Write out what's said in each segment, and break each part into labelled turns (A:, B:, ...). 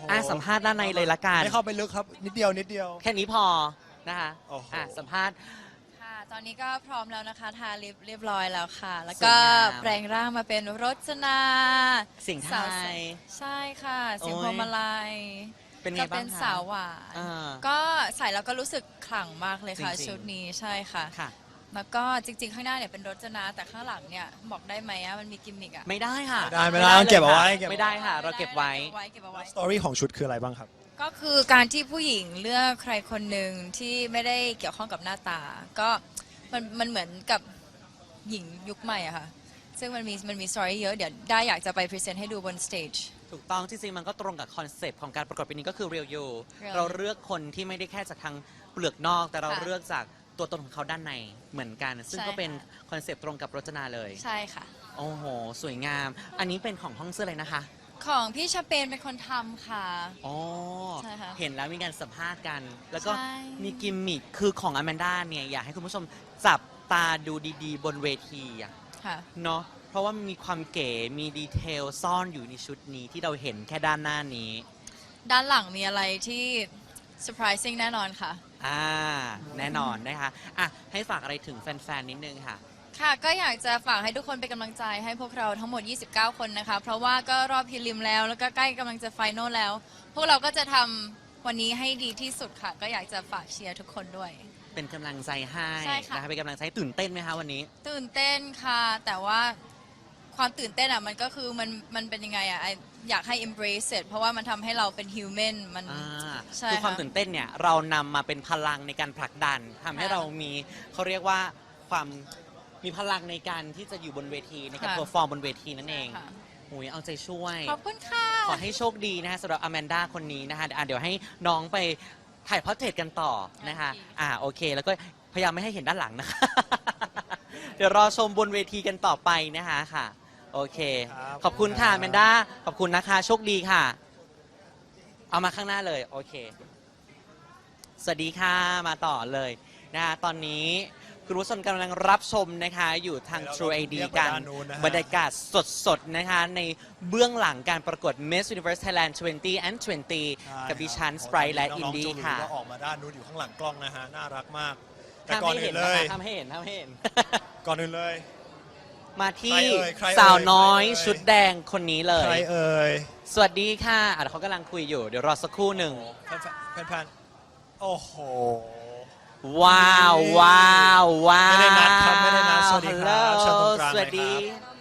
A: สัมภาษณ์ด้านในเลยละกัน
B: ไม่เข้าไปลึกครับนิดเดียวนิดเดียว
A: แค่นี้พอนะคะสัมภาษณ์
C: ค่ะตอนนี้ก็พร้อมแล้วนะคะทาลิปเรียบร้อยแล้วค่ะ แล้ว
A: ส
C: ก็
A: วยงาม
C: แปลงร่างมาเป็นรจนา
A: เสียงไท
C: สาวย ใช่ค่ะเสียง
A: โอ้ย
C: พวงมาลัย
A: เป็นไง
C: ก็
A: บ้า
C: เป็
A: ง
C: น
A: คะ
C: สาวหวาน
A: อ่า
C: ก็ใส่แล้วก็รู้สึกขลังมากเลยค่ะ
A: จริงๆ
C: ชุดนี้ใช่ค่ะ
A: ค่ะ
C: แล้วก็จริงๆ ข้างหน้าเนี่ยเป็นรจนาแต่ข้างหลังเนี่ยบอกได้ไหมอะมันมีกิมมิกอะ
A: ไม่ได้ค่ะ
B: ไม่ได้ต้องเก็บเอาไว้
A: ไม่ได้ค่ะ เราเก็บไว้
C: เก็บเอาไว้
B: สตอรี่ของชุดคืออะไรบ้างครับ
C: ก็คือการที่ผู้หญิงเลือกใครคนหนึ่งที่ไม่ได้เกี่ยวข้องกับหน้าตา ก็มันเหมือนกับหญิงยุคใหม่อะค่ะ ซึ่งมันมีสตอรี่เยอะ เดี๋ยวได้อยากจะไปพรีเซนต์ให้ดูบนสเตจ
A: ถูกต้องจริงๆมันก็ตรงกับคอนเซปต์ของการประกวดปีนี้ก็คือ Real You
C: Real
A: เราเลือกคนที่ไม่ได้แค่จากทางเปลือกนอก แต่เรา
C: ค่ะ
A: เลือกจากตัวตนของเขาด้านในเหมือนกัน ซึ่ง
C: ใช่
A: ก็เป็น
C: ค่ะ
A: คอนเซปต์ตรงกับรจนาเลย
C: ใช่ค่ะ
A: โอ้โห สวยงาม อันนี้เป็นของห้องเสื้อเลยนะคะ
C: ของพี่ชาเปนเป็นคนทำค่ะ
A: อ๋อ
C: ใช่ค่ะ
A: เห็นแล้วมีการสัมภาษณ์กัน แล้วก็
C: ใช่
A: มีกิมมิคคือของอแมนด้าเนี่ยอยากให้คุณผู้ชมจับตาดูดีๆ บนเวทีอะ
C: ค่ะ
A: เนาะเพราะว่ามันมีความเก๋มีดีเทลซ่อนอยู่ในชุดนี้ที่เราเห็นแค่ด้านหน้านี้
C: ด้านหลังมีอะไรที่ surprising แน่นอนค่ะ
A: แน่นอนนะคะให้ฝากอะไรถึงแฟนๆนิดนึงค่ะ
C: ค่ะก็อยากจะฝากให้ทุกคนเป็นกำลังใจให้พวกเราทั้งหมด 29 คนนะคะ เพราะว่าก็รอบพรีลิมแล้วก็ใกล้กำลังจะไฟนอลแล้ว พวกเราก็จะทำวันนี้ให้ดีที่สุดค่ะ ก็อยากจะฝากเชียร์ทุกคนด้วย
A: เป็นกำลังใจให้
C: ใช่ค่ะ
A: นะคะเป็นกำลังใจตื่นเต้นไหมคะวันนี้
C: ตื่นเต้นค่ะ แต่ว่าความตื่นเต้นอ่ะมันก็คือมันเป็นยังไงอ่ะอยากให้ embrace it เพราะว่ามันทำให้เราเป็น human มัน ใช่
A: คือความ
C: ค่ะ
A: ตื่นเต้นเนี่ยเรานำมาเป็นพลังในการผลักดันทำให้
C: ค่ะ
A: เรามีเขาเรียกว่าความมีพลังในการที่จะอยู่บนเวทีในการ
C: ค่ะ
A: เพอร์ฟอร์มบนเวทีนั่นเอง
C: ค่ะ
A: หุยเอาใจช่วย
C: ขอบคุณค่ะ
A: ขอให้โชคดีนะคะสำหรับอแมนด้าคนนี้นะคะเดี๋ยวให้น้องไปถ่ายพอร์เทรตกันต่อนะคะ โอเค แล้วก็พยายามไม่ให้เห็นด้านหลังนะคะ เดี๋ยวรอชมบนเวทีกันต่อไปนะคะค่ะ โอเค
B: ครับ
A: ขอบคุณค่ะ
B: ครับ
A: อแมนด้าขอบคุณนะคะ โชคดีค่ะ เอามาข้างหน้าเลย โอเค สวัสดีค่ะ มาต่อเลยนะคะตอนนี้คุณผู้ชมกำลังรับชมนะคะ อยู่ทาง True ID กัน บรรยากาศสดๆนะคะ ในเบื้องหลังการประกวด Miss Universe Thailand 20 and 20 กับดิฉันสไปร์และอินดี้ค่ะ
B: น้องๆจูหลีก็ออกมาด้านนู้นอยู่ข้างหลังกล้องนะฮะน่ารักมาก แต่
A: ห้าม
B: ก่อน
A: ให้
B: อื่
A: เห็น
B: นเล
A: นะ
B: ย
A: คะห้ามให้เห็นห้ามให้เห็น
B: ก่อนอื่นเลย
A: มาที่
B: ใครเอ่ย
A: สาวน้อย
B: ใครเอ่ย
A: ชุดแดงคนนี้เล
B: ใคร
A: ย
B: เอ่ย
A: สวัสดีค่ะเดี๋ยวเขากำลังคุยอยู่ เดี๋ยวรอสักครู่หนึ่ง
B: แฟนๆโอ้โห
A: ว้าวว้าวว้าว
B: ไม่ได้นัดครับไม่ได้นัดสวัสดีครับเชิญตรงกลาง
A: สวัสดี
B: เลยครับ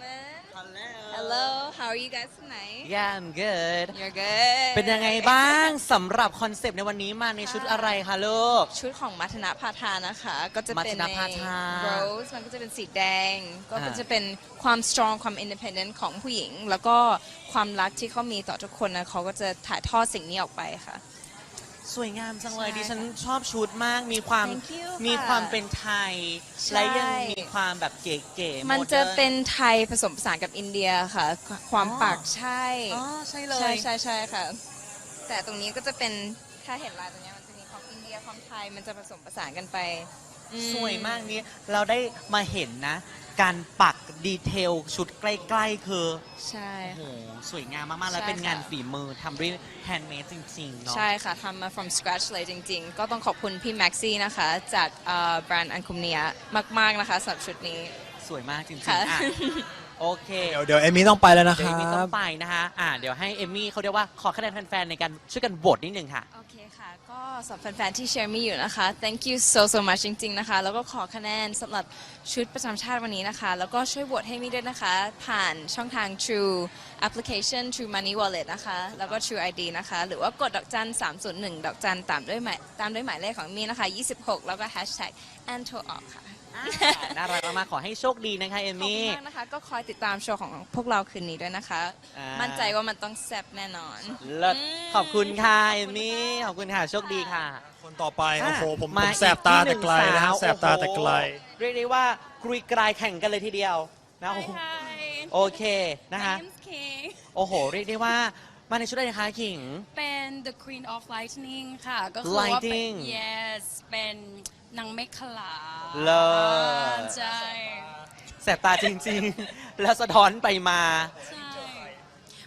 D: Hello, how are you guys tonight?
A: Yeah I'm good
D: You're good.
A: เป็นยังไงบ้างสำหรับคอนเซปต์ในวันนี้มาในชุดอะไรคะลูก
D: ชุดของมัทนาพาทานะคะ ก็จะเป็น
A: มัทนา
D: ใน
A: พาทา
D: rose มันก็จะเป็นสีแดง ก็
A: อ่า
D: จะเป็นความ strong ความ independent ของผู้หญิง แล้วก็ความรักที่เขามีต่อทุกคนนะเขาก็จะถ่ายทอดสิ่งนี้ออกไปค่ะ
A: สวยงามจังเลย
D: ใช่
A: ดิฉันชอบชุดมากมีความ
D: Thank you
A: มี
D: ค่ะ
A: ความเป็นไทย
D: ใช่
A: และยังมีความแบบเก๋ๆ
D: มันจะ
A: โดร์
D: เป็นไทยผสมผสานกับอินเดียค่ะ ความ
A: อ๋อ
D: ปักใช่
A: อ๋อใช่เล
D: ใช่
A: ย
D: ใช่ใช่ค่ะ แต่ตรงนี้ก็จะเป็นถ้าเห็นลายตรงเนี้ยมันจะมีความอินเดียความไทยมันจะผสมผสานกันไปอื
A: สวยมากนี้เราได้มาเห็นนะ การปักดีเทลชุดใกล้ๆ คือ
D: ใช่
A: โอ้โหสวยงามมากๆ แล้ว
D: ใช่
A: เป็นงาน
D: ค่ะ
A: ฝีมือทำด้วยแฮนด์เมดจริงๆ เนาะ
D: ใช่ค่ะทำมา from scratch เลยจริงๆ ก็ต้องขอบคุณพี่แม็กซี่นะคะ จากแบรนด์อันคุมเนียมากๆนะคะสำหรับชุดนี้
A: สวยมากจริงๆ
D: ค่ะ
A: อ่ะโอเค
B: เดี๋ยวเอมี่ต้องไปแล้วนะค
A: เดี๋ยว
B: รั
A: เอมมี่ต้
B: บ
A: องไปนะคะเดี๋ยวให้เอมมี่เขาเรียกว่าขอคะแนนแฟนๆ ในการช่วยกันโหวตนิดนึงค่ะ
D: โอเคค่ะ ก็สำหรับแฟนๆ ที่เชียร์มี่อยู่นะคะ thank you so much จริงๆ นะคะ แล้วก็ขอคะแนนสำหรับชุดประจำชาติวันนี้นะคะ แล้วก็ช่วยโหวตให้มี่ด้วยนะคะ ผ่านช่องทาง True application True Money Wallet นะคะ แล้วก็ True ID นะคะ หรือว่ากดดอกจัน301 ดอกจันตามด้วยหมายเลขของมี่นะคะ 26 แล้วก็ hashtag and to all ค่ะ
A: น่ารักมากๆขอให้โชคดีนะคะเอม
D: ขอบคุณ
A: มี่
D: มากนะคะ ก็คอยติดตามโชว์ของพวกเราคืนนี้ด้วยนะคะ มั่นใจว่ามันต้องแซ่บแน่นอน
A: เลิศขอบคุณค่ะเอมมี่ขอบคุณค่ะโชคดีค่ะ
B: คนต่อไป โอ้โห ผม
A: มา
B: แสบตา
A: อีกที่
B: แต่ไกลนะฮะ
A: หง
B: แสบตาแต่ไกล
A: โอ้โหเรียกได้ว่ากรุยกรายแข่งกันเลยทีเดียวนะโอ้โหโอเคนะคะ
E: James King
A: โอ้โห เรียกได้ว่ามาในชุดอะไรนะคะขิง
E: เป็น The Queen of Lightning ค่ะ ก็คือว่าเป็น
A: Lightning
E: yes เป็นนางเมฆขลา
A: เลิศ
E: ใช่
A: แสบตาจริงๆ แล้วสะท้อนไปมา
E: ใช่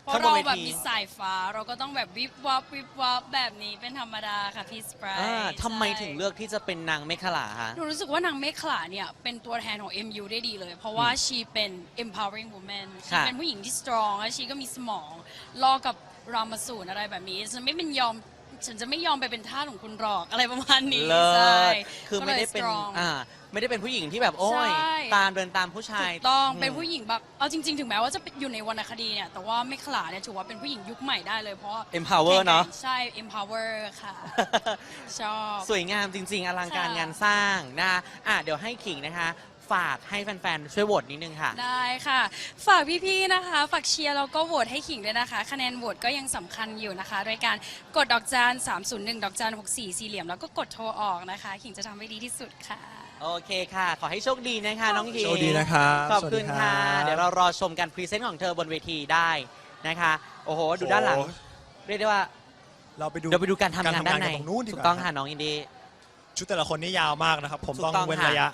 E: เพราะเราแบบมีสายฟ้าเราก็ต้องแบบวิบวับวิบวับแบบนี้เป็นธรรมดาค่ะพี่สไปร์
A: ทำไมถึงเลือกที่จะเป็นนางเมขลาคะ
E: หนูรู้สึกว่านางเมขลาเนี่ยเป็นตัวแทนของ MU ได้ดีเลย เพราะว่าชีเป็น empowering woman ชี
A: ค่ะ
E: เป็นผู้หญิงที่ strong และชีก็มีสมองรอกับรามาสูนอะไรแบบนี้ฉันจะไม่ยอมไปเป็นทาสของคุณหรอกอะไรประมาณนี้
A: เลิ
E: ใช่
A: ศคือไม่ได้เป็น
E: ก็ลย strong
A: ไม่ได้เป็นผู้หญิงที่แบบโอ้ย
E: ใช่
A: ตามเดินตามผู้ชาย
E: ถูกต้องเป็นผู้หญิงแบบเอาจริง ๆ ถึงแม้ว่าจะอยู่ในวรรณคดีเนี่ยแต่ว่าเมขลาเนี่ยถือว่าเป็นผู้หญิงยุคใหม่ได้เลยเพราะว่า
A: empower เนอะ
E: ใช่ empower ค่ะ ชอบ
A: สวยงามจริง ๆ อลังการ
E: ค่ะ
A: งานสร้างนะคะเดี๋ยวให้ขิงนะคะ ฝากให้แฟนๆ ช่วยโหวตนิดนึงค่ะ
E: ได้ค่ะ ฝากพี่ๆ นะคะ ฝากเชียร์แล้วก็โหวตให้ขิงด้วยนะคะ คะแนนโหวตก็ยังสำคัญอยู่นะคะ โดยการกดดอกจาน301 ดอกจาน64 สี่เหลี่ยม แล้วก็กดโทรออกนะคะ ขิงจะทำให้ดีที่สุดค่ะ
A: โอเคค่ะ ขอให้โชคดีนะคะ น้องขิง
B: โชคดีนะครับ
A: ขอบคุณ
B: สวัสดี
A: ค่ะ
B: รับ
A: เดี๋ยวเรารอชมการพรีเซนต์ของเธอบนเวทีได้นะคะ โอ้โห ดูด้านหลัง
B: โอ้โห
A: เรียกได้ว่า
B: เราไปดู
A: เดี๋ยวไปดูการทำงานด้านใน
B: กัตรงนู้นดีก
A: ถู
B: ว่าก
A: ต้องค่ะน้องอินดี้
B: ชุดแต่ละคนนี่ยาวมากนะครับ ผม
A: ถูก
B: ต้อง
A: ต้อง
B: เว้น
A: ค่ะ
B: ระยะ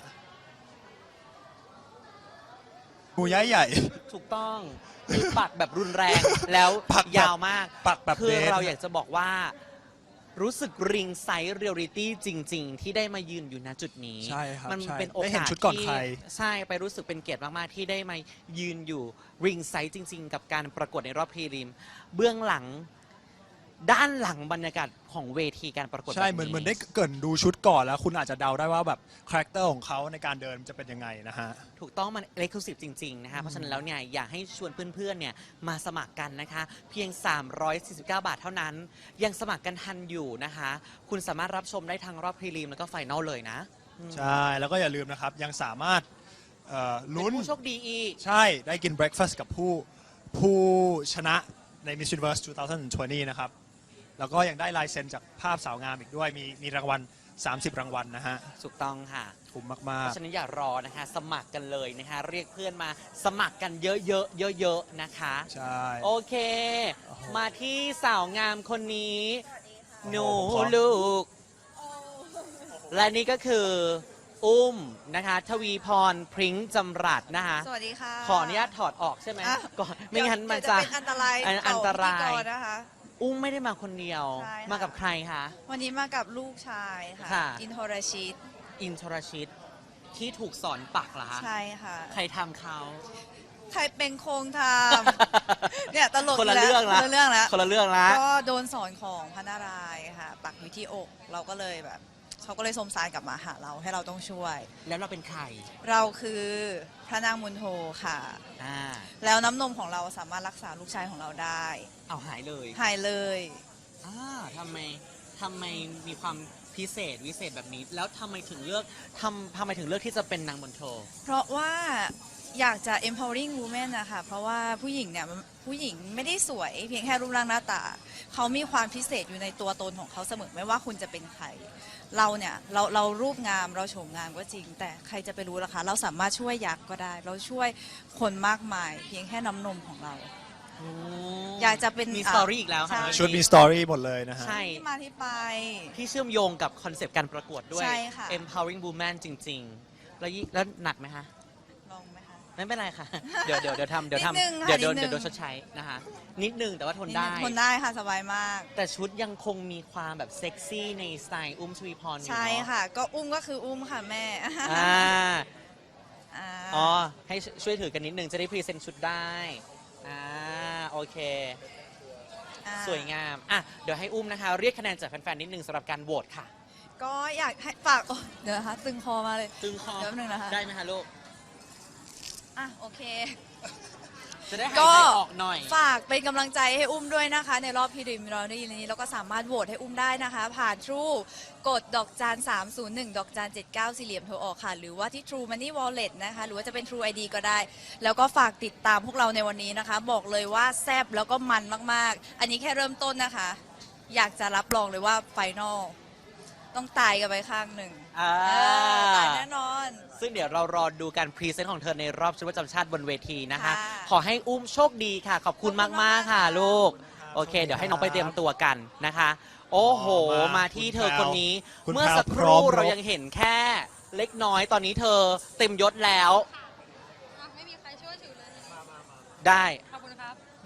B: หูย้ายใหญ่
A: ถูกต้องคือปักแบบรุนแรง แล้ว
B: ปักแบบ
A: ยาวมาก
B: ปักแบบ
A: คือ
B: เดท
A: เราอยากจะบอกว่า รู้สึกริงไซส์เรียลลิตี้จริง ๆ ที่ได้มายืนอยู่ณจุดนี้
B: ใช่ครับ
A: มัน
B: ใช่
A: เป็นโอ
B: ได้เห็
A: กาน ส
B: ชุดก่อน
A: ที่
B: ใคร
A: ใช่ไปรู้สึกเป็นเกียรติมาก ๆ ที่ได้มายืนอยู่ริงไซส์จริง ๆ กับการประกวดในรอบพรีลิม เบื้องหลังด้านหลังบรรยากาศของเวทีการประกวด
B: ใช่
A: แบบ
B: เหมือนได้เกรินดูชุดก่อนแล้ว คุณอาจจะเดาได้ว่าแบบคาแรคเตอร์ของเขาในการเดินจะเป็นยังไงนะฮะ
A: ถูกต้องมันเอ็กซ์คลูซีฟจริง ๆ นะคะ เพราะฉะนั้นแล้วเนี่ยอยากให้ชวนเพื่อน ๆ เนี่ยมาสมัครกันนะคะ เพียง 349 บาทเท่านั้น ยังสมัครกันทันอยู่นะคะ คุณสามารถรับชมได้ทั้งรอบพรีลิมแล้วก็ไฟนอลเลยนะ
B: ใช่ แล้วก็อย่าลืมนะครับ ยังสามารถลุ้น
A: เป็นผู้โชคดีอีก
B: ใช่ ได้กินเบรคฟาสต์กับผู้ชนะใน Miss Universe 2020 นะครับ แล้วก็ยังได้ลายเซ็นจากภาพสาวงามอีกด้วย มีรางวัล 30 รางวัลนะฮะ
A: ถูกต้องค่ะ
B: คุ้ม
A: เพ
B: มาก
A: ราะฉะนั้นอย่ารอนะคะ สมัครกันเลยนะคะ เรียกเพื่อนมาสมัครกันเยอะๆเยอะๆนะคะ
B: ๆ ใช่
A: โอเค มาที่สาวงามคนนี้ หนู
B: ผมขอ
A: ลูก และนี่ก็คือ อุ้มนะคะ ทวีพรพริ้งจำรัดนะคะ
F: สวัสดีค่ะ
A: ขออนุญาตถอดออกใช่ไหม
F: อ่ะ
A: ก่อนไม่งั้นมันจะ
F: เป็นอันตราย
A: อันตราย
F: ต่อพิธีกนะคะ
A: อุ้มไม่ได้มาคนเดียว
F: ใช่ค่ะ
A: มากับใครคะ
F: วันนี้มากับลูกชายค่ะ
A: ค่ะ
F: อินโทรชิต
A: อินทรชิตที่ถูกสอนปักเหรอคะ
F: ใช่ค่ะ
A: ใครทำเขา
F: ใครเป็นโครงทำ เนี่ยตลก
A: คนละ
F: ยู่
A: เรื่องละ
F: คนละเรื่องแล้ว
A: คนละเรื่องละ
F: ก็โดนสอนของพระนารายณ์ค่ะ ปักอยู่ที่อก เราก็เลยแบบเขาก็เลยสมสารกลับมาหาเราให้เราต้องช่วย
A: แล้วเราเป็นใคร
F: เราคือพระนางมุนโทค่ะ
A: อ่า
F: แล้วน้ำนมของเราสามารถรักษาลูกชายของเราได้
A: เอาหายเลย
F: หายเลย
A: อ่าทำไมมีความพิเศษวิเศษแบบนี้ แล้วทำไมถึงเลือกทำไมถึงเลือกที่จะเป็นนางบนโชว์
F: เพราะว่าอยากจะ empowering women นะคะเพราะว่าผู้หญิงเนี่ยผู้หญิงไม่ได้สวยเพียงแค่รูปร่างหน้าตา เขามีความพิเศษอยู่ในตัวตนของเขาเสมอไม่ว่าคุณจะเป็นใคร เราเนี่ยเรารูปงามเราโฉมงามก็จริง แต่ใครจะไปรู้ล่ะคะเราสามารถช่วยยักษ์ก็ได้ เราช่วยคนมากมาย เพียงแค่น้ำนมของเรา อยากจะเป็น
A: มีสตอรี่อีกแล้วค่ะ
F: ใช่
B: ชุดมีสตอรี่หมดเลยนะฮะ
A: ใช่
F: ที่มาที่ไป
A: ที่เชื่อมโยงกับคอนเซปต์การประกวดด้วย
F: ใช่ค่ะ
A: empowering woman จริง ๆ แล้วหนักไหมคะ
F: ลองไหมคะ
A: ไม่เป็นไรค่ะ เดี๋ยวทำ
F: นิดนึงค่ะ
A: เดี๋ยวโดน
F: นิดนึง
A: เดี๋ยวโดนชดใช้นะคะ นิดนึงแต่ว่าทนได้
F: ทนได้ค่ะสบายมาก
A: แต่ชุดยังคงมีความแบบเซ็กซี่ในสไตล์อุ้มชวีพรอยู่
F: ใช่
A: เนาะ
F: ค่ะ ก็อุ้มก็คืออุ้มค่ะแม่
A: อ่า
F: อ่า
A: อ๋อ ให้ช่วยถือกันนิดนึงจะได้พรีเซนต์ชุดได้ อ่า โอเค
F: อ่า
A: สวยงาม อ่ะ เดี๋ยวให้อุ้มนะคะ เรียกคะแนนจากแฟนๆ นิดนึงสำหรับการโหวตค่ะ
F: ก็อยากให้ฝากโอ้เดี๋ยวนะคะตึงคอมาเลย
A: ตึงคอ
F: เดี๋ยวแป๊บนึงนะคะ
A: ได้ไหมคะลูก
F: อ่ะโอเค
A: จะได้หาย
F: ก็
A: ใจออกหน่อย
F: ฝากเป็นกำลังใจให้อุ้มด้วยนะคะ ในรอบพีริมเราได้ยินนี้แล้วก็สามารถโหวตให้อุ้มได้นะคะ ผ่าน True กดดอกจาน301ดอกจาน79สี่เหลี่ยมโทรออกค่ะ หรือว่าที่ True Money Wallet นะคะหรือว่าจะเป็น True ID ก็ได้ แล้วก็ฝากติดตามพวกเราในวันนี้นะคะ บอกเลยว่าแซ่บแล้วก็มันมากๆ อันนี้แค่เริ่มต้นนะคะ อยากจะรับรองเลยว่าไฟนอลต้องตายกันไปข้างหนึ่ง
A: อ่า
F: ตายแน่นอน
A: ซึ่งเดี๋ยวเรารอดูการพรีเซนต์ของเธอในรอบชุดประจำชาติบนเวทีนะคะ
F: ค่ะ
A: ขอให้อุ้มโชคดีค่ะ ขอบคุณมากๆค่ะลูก โอเค เดี๋ยวให้น้องไปเตรียมตัวกันนะคะ โอ้โห มาที่เธอคนนี้
B: คุณแพรว
A: เมื่อสักค
B: คุณแพรวพร้
A: รู่
B: อมรบ
A: เรายังเห็นแค่เล็กน้อย ตอนนี้เธอเต็มยศแล้ว
E: ไม่มีใครช่วยถือเลย
A: ได้
E: ขอบคุณครับ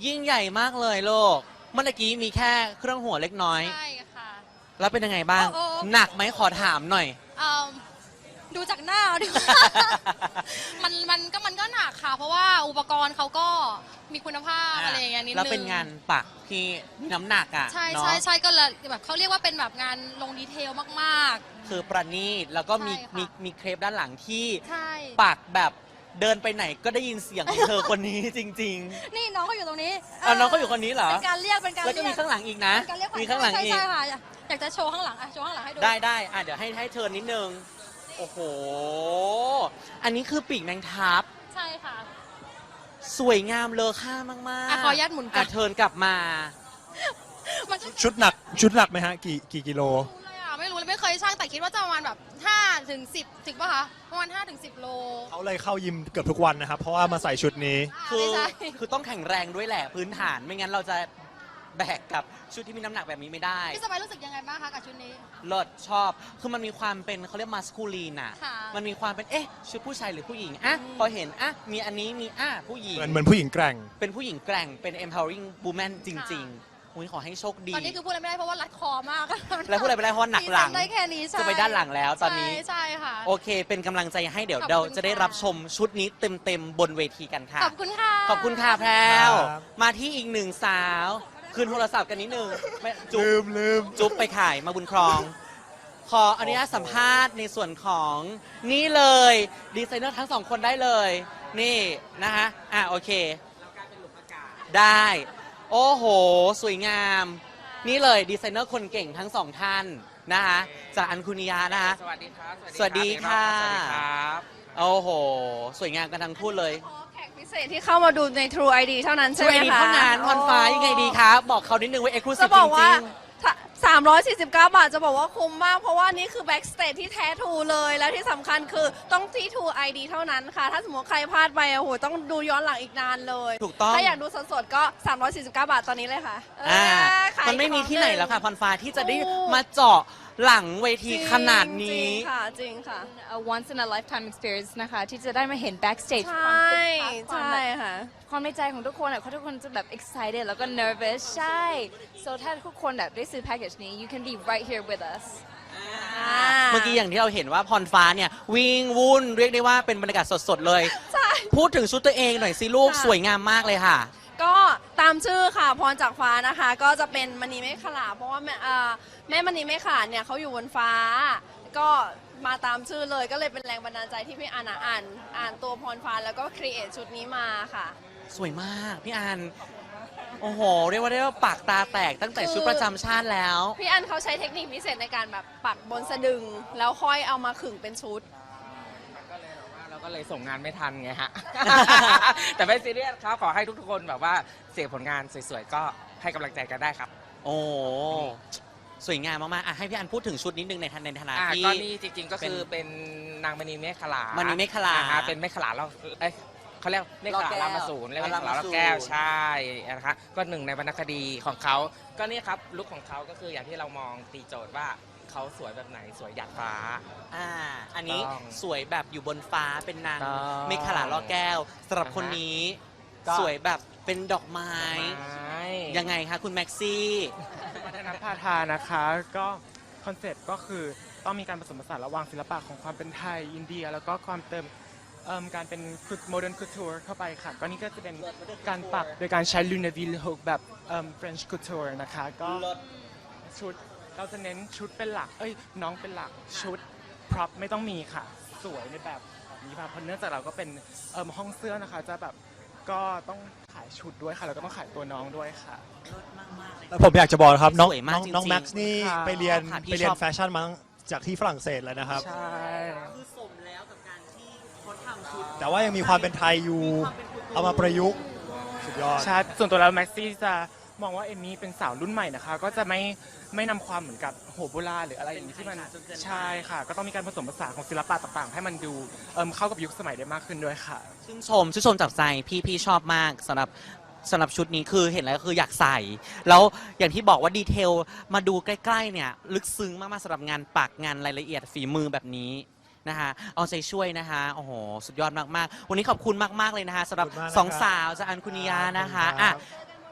A: ยิ่งใหญ่มากเลยโลกเมื่อกี้มีแค่เครื่องหัวเล็กน้อย
E: ใช่ค่ะ
A: แล้วเป็นยังไงบ้าง
E: โอ้
A: หนักไหมขอถามหน่อย
E: ดูจากหน้าเอาดีกว่า มันก็หนักค่ะ เพราะว่าอุปกรณ์เขาก็มีคุณภาพอะไรอย่างเงี้ยนิดนึง
A: แล้วเป็นงานปักที่มีน้ำหนักอ่ะ
E: ใช่
A: เนาะ
E: ใช่ใช่ก็เลยแบบเขาเรียกว่าเป็นแบบงานลงดีเทลมาก
A: คือประณีตแล้วก็มี
E: ใช่ค่ะ
A: มีเครปด้านหลังที่
E: ๆ ใช่
A: ปักแบบเดินไปไหนก็ได้ยินเสียงของเธอคนนี้จริง
E: นี่น้องเขาอยู่ตรงนี้
A: ๆเอาน้องก็อยู่คนนี้เหรอ
E: เป็นการเรียกเป็นการ
A: แล้วก็
E: เรี
A: มี
E: ยก
A: ข้างหลังอีกนะ
E: เป็นการเรียกขวัญ
A: มีข้างหลัง
E: ใช่
A: อีก
E: ใช่ค่ะอยากจะโชว์ข้างหลังอ่ะโชว์ข้างหลังให้ดู
A: ได้อ่ะเดี๋ยวให้เธอนิดนึง โอ้โห อันนี้คือปีกแมงทับ
E: ใช่ค่ะ
A: สวยงามเลอค่ามากๆ
E: อ่ะขออนุญาตหมุนกลับ
A: อ่ะเทิร์นกลับมา
E: มันก็
B: ชุดหนักไหมฮะกี่กิโล
E: ไม่รู้เลยไม่เคยช่างแต่คิดว่าจะประมาณแบบ5 ถึง 10 ถึงป่ะคะประมาณ5 ถึง 10 โล
B: เขาเลยเข้ายิมเกือบทุกวันนะครับ เพราะว่ามาใส่ชุดนี้
A: คือ
E: ไม่ใช่
A: คือต้องแข็งแรงด้วยแหละพื้นฐานไม่งั้นเราจะแบกกับชุดที่มีน้ำหนักแบบนี้ไม่ได้
E: พี่สบายรู้สึกยังไงบ้างคะกับชุดนี้
A: เลิศชอบ คือมันมีความเป็นเขาเรียกมาสคูลีนอ่ะ
E: ค่ะ
A: มันมีความเป็นเอ๊ะชุดผู้ชายหรือผู้หญิงอ่ะพอเห็นอ่ะมีอันนี้มีผู้หญิง
B: เหมือนผู้หญิงแกร่ง
A: เป็นผู้หญิงแกร่งเป็น empowering woman จริงๆอุ้ยขอให้โชคดี
E: ตอนนี้คือพูดอะไรไม่ได้เพราะว่ารัดคอมาก
A: แล้วพูดอะไรไม่ได้เพราะว่าหนักหลัง
E: ได้แค่นี้ใช่
A: จะไปด้านหลังแล้วตอนนี้
E: ใช่ค่ะ
A: โอเค เป็นกำลังใจให้เดี๋ยว
E: ขอบคุณ
A: เราจะได้
E: ค่ะ
A: รับชมชุดนี้เต็มๆบนเวทีกันค่ะ
E: ขอบคุณค่ะ
A: ขอบคุณค่ะแพรว
B: ครับ
A: มาที่อีกหนึ่งสาว คืนโทรศัพท์กันนิดนึงไม่จุ๊
B: ลื
A: บ
B: ม
A: จุ๊บไปขายมาบุญครอง ขออนุญาตสัมภาษณ์ในส่วนของนี่เลยดีไซเนอร์ทั้งสองคนได้เลย นี่นะคะโอเค ได้ โอ้โห สวยงาม นี่เลยดีไซเนอร์คนเก่งทั้งสองท่านนะคะจากอันคุนิยานะคะ
G: สวัสดีครับ
A: สวัสดีค่ะ
G: สวัสดีครับ
A: โอ้โห สวยงามกันทั้งคู่เลย
H: แขกพิเศษที่เข้ามาดูใน True ID เท่านั้นใช่
A: ช่วย
H: ไหม
A: ดี
H: คะ
A: เท่านั้นพรฟ้ายังไงดีคะบอกเขานิดนึงว่าเอ็กซ์คลูซี
H: จะ
A: ฟ
H: บอก
A: จ
H: ว่า
A: ริง
H: 349 บาทจะบอกว่าคุ้มมาก เพราะว่านี่คือ Backstage ที่แท้ True เลย แล้วที่สำคัญคือต้องที่ True ID เท่านั้นค่ะ ถ้าสมมติใครพลาดไปโอ้โหต้องดูย้อนหลังอีกนานเลย
A: ถูกต้อง
H: ถ้าอยากดูสดๆก็ 349 บาทตอนนี้เลยค่ะ ขาย
A: มันไม่มีที่ไหน
H: ของ
A: แล้วค่ะพรฟ้าที่จะได้
H: ถูก
A: มาเจาะหลังเวทีขนาด
H: จ
A: นี้
H: ริงค่ะจริงค่ะ
D: a once in a lifetime experience นะคะ ที่จะได้มาเห็น backstage
H: ใช
D: ความ
H: ่
D: คึกคักความ
H: ใช่
D: แบบ
H: ค่ะ
D: ความในใจของทุกคนอ่ะทุกคนจะแบบ excited แล้วก็ nervous ใช่ so ถ้าทุกคนแบบได้ซื้อ package นี้ you can be right here with us
A: เมื่อกี้อย่างที่เราเห็นว่าพรฟ้าเนี่ยวิ่งวุ่นเรียกได้ว่าเป็นบรรยากาศสดๆเลย
H: ใช่
A: พูดถึงชุดตัวเองหน่อยสิลูก
H: ค่ะ
A: สวยงามมากเลยค่ะ
H: ก็ตามชื่อค่ะพรจากฟ้านะคะ ก็จะเป็นมณีเมฆขลาเพราะว่าแม่มณีเมฆขลาเนี่ยเขาอยู่บนฟ้า ก็มาตามชื่อเลยก็เลยเป็นแรงบันดาลใจที่พี่อ่านตัวพรฟ้าแล้วก็ครีเอทชุดนี้มาค่ะ
A: สวยมากพี่อันโอ้โห เรียกว่าได้ว่าปากตาแตกตั้งแต่ชุดประจำชาติแล้ว
H: พี่อันเขาใช้เทคนิคพิเศษในการแบบปักบนสะดึง แล้วค่อยเอามาขึงเป็นชุด
G: เราก็เลยส่งงานไม่ทันไงฮะ แต่ไม่ซีเรียสครับขอให้ทุกๆคนแบบว่าเสียผลงานสวยๆ ก็ให้กำลังใจกันได้ครับ
A: โอ้สวยงามมากๆให้พี่อันพูดถึงชุดนิดนึงในฐานะที่
G: ก็นี่จริงๆก็คือเป็นนางมณีเมฆขลาม
A: ณีเมฆขลา
G: ฮะเป็นเมฆขลาเราเขาเรียกเมฆขลารามาสูรเรียกเมฆขลาราแก้วใช่นะคะก็หนึ่งในวรรณคดีของเขาก็นี่ครับลุคของเขาก็คืออย่างที่เรามองตีโจทย์ว่าเขาสวยแบบไหนสวยหยาดฟ้า
A: อันนี้
G: ต้อง
A: สวยแบบอยู่บนฟ้าเป็นนาง
G: ต้อง
A: เมฆขลาล่อแก้วสำหรับคนนี้
G: ก็
A: สวยแบบเป็นดอกไม้
G: ยั
A: ยังไงคะคุณแม็กซี่
I: วัฒนพาทานะคะก็คอนเซ็ปต์ก็คือต้องมีการผสมผสานระหว่างศิลปะของความเป็นไทยอินเดีย แล้วก็ความเติมการเป็นโมเดิร์นคูทูร์เข้าไปค่ะ ก็นี่ก็จะเป็นการปักโดยการใช้ลูนาวิลฮกแบบเฟรนช์คูทูร์นะคะก็ชุดเราจะเน้นชุดเป็นหลักน้องเป็นหลักชุดพร็อพไม่ต้องมีค่ะ สวยในแบบนี้ค่ะเพราะเนื่องจากเราก็เป็นห้องเสื้อนะคะจะแบบก็ต้องขายชุดด้วยค่ะแล้วก็ต้องขายตัวน้องด้วยค่ะ
B: แล้วผมอยากจะบอกนะครับน้อง
A: สวยมากจริงๆ
B: น้องแม็กซ์นี่
I: ค่ะ
B: ไปเรียน
A: ค่ะพี่
B: ไปเรีย
A: ช
B: น
A: อบ
B: แฟชั่นมาจากที่ฝรั่งเศสเลยนะครับ
I: ใช่
A: คือสมแล้วกับการที่เขาทำชุด
B: แต่ว่ายังมีความเป็นไทยอยู่ เอามาประยุกต์สุดยอด
I: ใช่ส่วนตัวแล้วแม็กซี่จะมองว่าเอมมี่เป็นสาวรุ่นใหม่นะคะ ก็จะไม่นำความเหมือนกับโหโบราณหรืออะไรอย่างนี้ที่มัน
A: เป็นไทยจ๋าจนเกินไป
I: ใช่ค่ะ ก็ต้องมีการผสมผสานของศิลปะต่างๆ ให้มันดูเข้ากับยุคสมัยได้มากขึ้นด้วยค่ะ
A: ชื่นชมจากใจพี่ชอบมากสำหรับชุดนี้คือเห็นแล้วคืออยากใส่ แล้วอย่างที่บอกว่าดีเทลมาดูใกล้ๆเนี่ยลึกซึ้งมากๆสำหรับงานปักงานรายละเอียดฝีมือแบบนี้นะคะเอาใจช่วยนะคะโอ้โหสุดยอดมากๆ วันนี้ขอบคุณมากๆเลยนะคะสำหรับ
B: ขอบคุณมากนะครับ
A: สองสาวจากอันคุนิยานะคะ
B: ขอบคุณครับ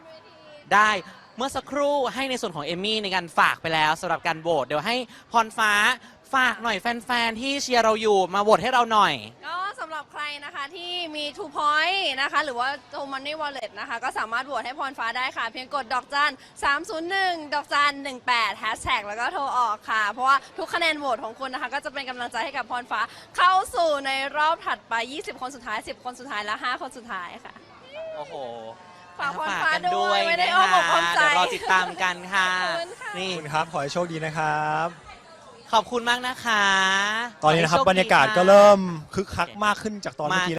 A: ได้เมื่อสักครู่ให้ในส่วนของเอมมี่ในการฝากไปแล้วสำหรับการโหวตเดี๋ยวให้พรฟ้าฝากหน่อยแฟนๆที่เชียร์เราอยู่มาโหวตให้เราหน่อย
H: ก็สำหรับใครนะคะที่มี Two Point นะคะหรือว่า True Money Wallet นะคะก็สามารถโหวตให้พรฟ้าได้ค่ะ เพียงกดดอกจัน301ดอกจัน18แฮชแท็กแล้วก็โทรออกค่ะ เพราะว่าทุกคะแนนโหวตของคุณนะคะก็จะเป็นกำลังใจให้กับพรฟ้าเข้าสู่ในรอบถัดไป 20 คนสุดท้าย 10 คนสุดท้ายและ 5 คนสุดท้ายค่ะ
A: โอ้โห
H: ฝากพรฟ้า
A: กัน
H: ด้วยไม่ได้
A: นะ
H: อ้อม
A: คะ
H: อกอ้อมใจ
A: เดี๋ยวรอติดตามกันค่ะ
H: ขอบคุณค่ะ
A: นี่
B: ขอบคุณครับ ขอให้โชคดีนะครับ
A: ขอบคุณมากนะคะ
B: ตอนนี้นะครับ
A: ขให้โช
B: บรรยากาศ
A: ดี
B: ก็
A: ค่ะ
B: เริ่มคึกคักมากขึ้นจากตอนเมื่อกี้